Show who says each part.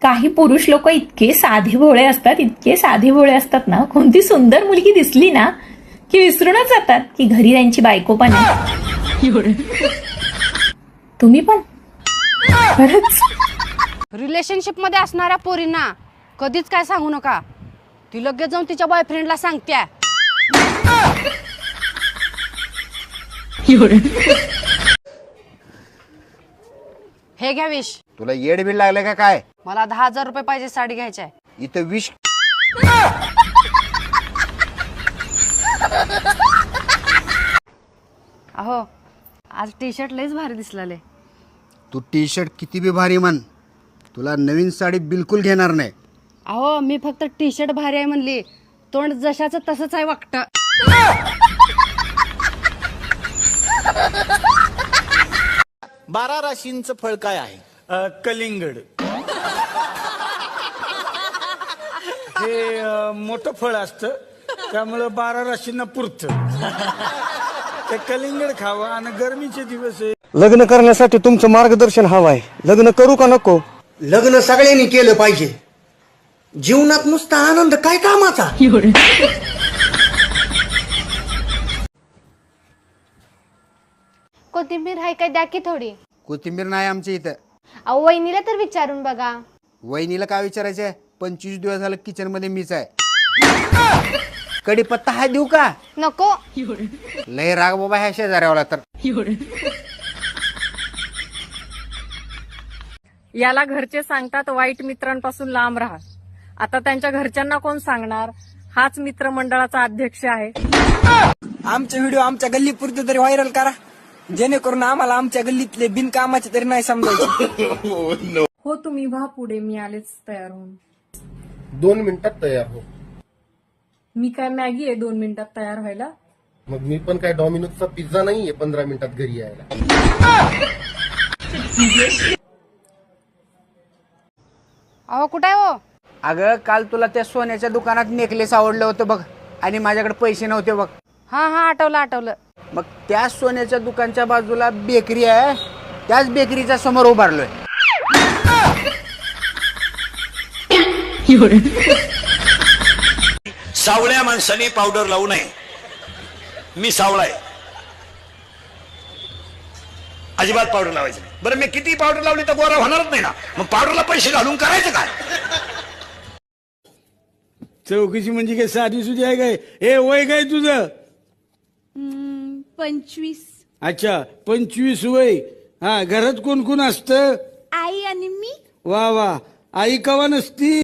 Speaker 1: काही पुरुष लोक इतके साधे भोळे असतात, इतके साधे भोळे असतात ना, कोणती सुंदर मुलगी दिसली ना की विसरूनच जातात की घरी त्यांची बायको पण आहे. तुम्ही पण खरंच
Speaker 2: रिलेशनशिप मध्ये असणाऱ्या पोरींना कधीच काय सांगू नका. ती लगेच जाऊन तिच्या बॉयफ्रेंडला सांगत्या. हे घ्या विश.
Speaker 3: तुला येड बिल लागले का काय?
Speaker 2: मला 10,000 रुपये पाहिजे साडी घ्यायची.
Speaker 3: इथं विष.
Speaker 2: अहो आज टी शर्ट लयच भारी दिसलाले.
Speaker 3: तू टी शर्ट किती बी भारी म्हण, तुला नवीन साडी बिलकुल घेणार नाही.
Speaker 2: अहो मी फक्त टी शर्ट भारी आहे म्हणली, तोंड जशाचं तसंच आहे वागतं.
Speaker 4: 12 राशींचं फळ काय आहे?
Speaker 5: कलिंगड. हे मोठं फळ असतं, त्यामुळं 12 राशींना पुरतं. ते कलिंगड खावं आणि गरमीचे दिवस आहे.
Speaker 6: लग्न करण्यासाठी तुमचं मार्गदर्शन हवं आहे. लग्न करू का नको?
Speaker 7: लग्न सगळ्यांनी केलं पाहिजे. जीवनात नुसता आनंद काय कामाचा?
Speaker 8: कोथिंबीर आहे काय, द्या की थोडी.
Speaker 3: कोथिंबीर नाही आमच्या इथं.
Speaker 8: अहो वहिनीला तर विचारून बघा.
Speaker 3: वहिनीला काय विचारायचंय? 25 दिवस झालं किचन मध्ये मीच आहे. कढीपत्ता हा देऊ का?
Speaker 8: नको.
Speaker 3: लय राग बाबा ह्या शेजाऱ्यावाला तर.
Speaker 9: याला घरचे सांगतात वाईट मित्रांपासून लांब राहा. आता त्यांच्या घरच्यांना कोण सांगणार? हाच मित्रमंडळाचा अध्यक्ष आहे.
Speaker 10: आमचे व्हिडिओ आमच्या गल्लीपुरते तरी व्हायरल करा, जेणेकरून आम्हाला आमच्या गल्लीतले बिनकामाचे तरी नाही समजायचे.
Speaker 9: हो तुम्ही व्हा पुढे, मी आलेच तयार होऊन.
Speaker 11: 2 मिनिटात तयार हो.
Speaker 9: मी काय मॅगी आहे 2 मिनिटात तयार व्हायला?
Speaker 11: मग मी पण काय डॉमिनोजचा पिझ्झा नाहीये 15 मिनिटात घरी यायला.
Speaker 2: अहो कुठे आहे हो?
Speaker 3: अगं काल तुला त्या सोन्याच्या दुकानात नेकलेस आवडलं होतं बघ, आणि माझ्याकडे पैसे नव्हते बघ.
Speaker 2: हा हा आठवलं.
Speaker 3: मग त्या सोन्याच्या दुकानच्या बाजूला बेकरी आहे, त्याच बेकरीच्या समोर उभारलोय.
Speaker 4: सावळ्या माणसाने पावडर लावू नये. मी सावळा आहे, अजिबात पावडर लावायचं नाही. बरं मी किती पावडर लावली तर गोरा होणारच नाही ना, मग पावडरला पैसे घालून करायचं काय?
Speaker 5: चौकशी म्हणजे काय साधी सुधी आहे काय? हे वय काय तुझं?
Speaker 8: 25.
Speaker 5: अच्छा 25 वय. हा घरात कोण कोण असतं?
Speaker 8: आई आणि मी.
Speaker 5: वा वा. आई कवा नसती?